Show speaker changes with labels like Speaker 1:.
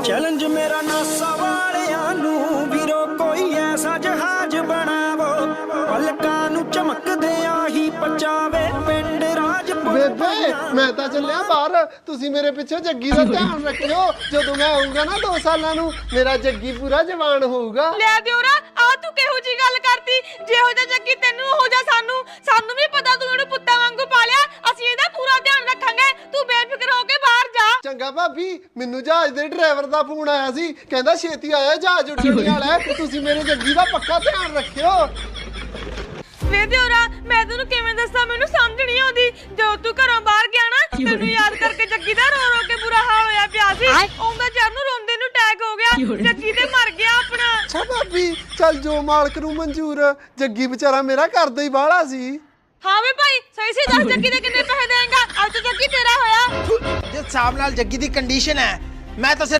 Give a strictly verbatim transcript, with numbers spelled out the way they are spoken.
Speaker 1: challenge मेरा NASA वालियां नू वीरो कोई ऐसा जहाज बनावो पलकां नू चमकदियां ही पचावे पिंड राजपुर
Speaker 2: ਬੇਬੇ ਮੈਂ ਤਾਂ ਚੱਲਿਆ ਬਾਹਰ ਤੁਸੀਂ ਮੇਰੇ ਪਿੱਛੇ ਜੱਗੀ ਦਾ ਧਿਆਨ ਰੱਖਿਓ ਜਦੋਂ ਮੈਂ ਆਉਂਗਾ ਨਾ ਦੋ ਸਾਲਾਂ ਨੂੰ ਮੇਰਾ ਜੱਗੀ ਪੂਰਾ ਜਵਾਨ ਹੋਊਗਾ
Speaker 3: ਲੈ ਦਿਓਰਾ ਆ ਤੂੰ ਕਿਹੋ ਜੀ ਗੱਲ ਕਰਤੀ ਜਿਹੋ ਜਿਹਾ ਜੱਗੀ ਤੈਨੂੰ ਹੋ ਜਾ ਸਾਨੂੰ ਸਾਨੂੰ ਵੀ ਪਤਾ ਤੂੰ ਇਹਨੂੰ ਪੁੱਤਾਂ ਵਾਂਗੂ ਪਾਲਿਆ ਅਸੀਂ ਇਹਦਾ ਪੂਰਾ ਧਿਆਨ ਰੱਖਾਂਗੇ ਤੂੰ ਬੇਫਿਕਰ ਹੋ ਕੇ ਬਾਹਰ ਜਾ
Speaker 2: ਚੰਗਾ ਭਾਬੀ ਮੈਨੂੰ ਜਹਾਜ਼ ਦੇ ਡਰਾਈਵਰ ਦਾ ਫੋਨ ਆਇਆ ਸੀ ਕਹਿੰਦਾ ਛੇਤੀ ਆਇਆ ਜਹਾਜ਼ ਉੱਡਣ ਵਾਲਾ ਹੈ ਤੁਸੀਂ ਮੇਰੇ ਜੱਗੀ ਦਾ ਪੱਕਾ ਧਿਆਨ ਰੱਖਿਓ
Speaker 3: ਵੇ ਦਿਓਰਾ ਮੈਂ ਤੈਨੂੰ ਕਿਵੇਂ ਦੱਸਾਂ ਮੈਨੂੰ ਸਮਝ ਨਹੀਂ ਆਉਂਦੀ ਜਦੋਂ ਤੂੰ ਘਰੋਂ ਬਾਹਰ ਗਿਆ ਨਾ ਤੈਨੂੰ ਯਾਦ ਕਰਕੇ ਜੱਗੀ ਦਾ ਰੋ ਰੋ ਕੇ ਬੁਰਾ ਹਾਲ ਹੋਇਆ ਪਿਆ ਸੀ ਆਉਂਦਾ ਜਰ ਨੂੰ ਰੋਂਦੇ ਨੂੰ ਅਟੈਕ ਹੋ ਗਿਆ ਜੱਗੀ ਤੇ ਮਰ ਗਿਆ ਆਪਣਾ
Speaker 2: ਅੱਛਾ ਭਾਬੀ ਚੱਲ ਜੋ ਮਾਲਕ ਨੂੰ ਮਨਜ਼ੂਰ ਜੱਗੀ ਵਿਚਾਰਾ ਮੇਰਾ ਕਰਦਾ ਹੀ ਬਾਹਲਾ ਸੀ
Speaker 3: ਹਾਂ ਵੇ ਭਾਈ ਸਹੀ ਸੀ ਦੱਸ ਜੱਗੀ ਦੇ ਕਿੰਨੇ ਪੈਸੇ ਦੇਂਗਾ ਅੱਜ ਤਾਂ ਜੱਗੀ ਤੇਰਾ ਹੋਇਆ
Speaker 4: ਜਿਸ ਹਿਸਾਬ ਨਾਲ ਜੱਗੀ ਦੀ ਕੰਡੀਸ਼ਨ ਹੈ ਮੈਂ ਤਾਂ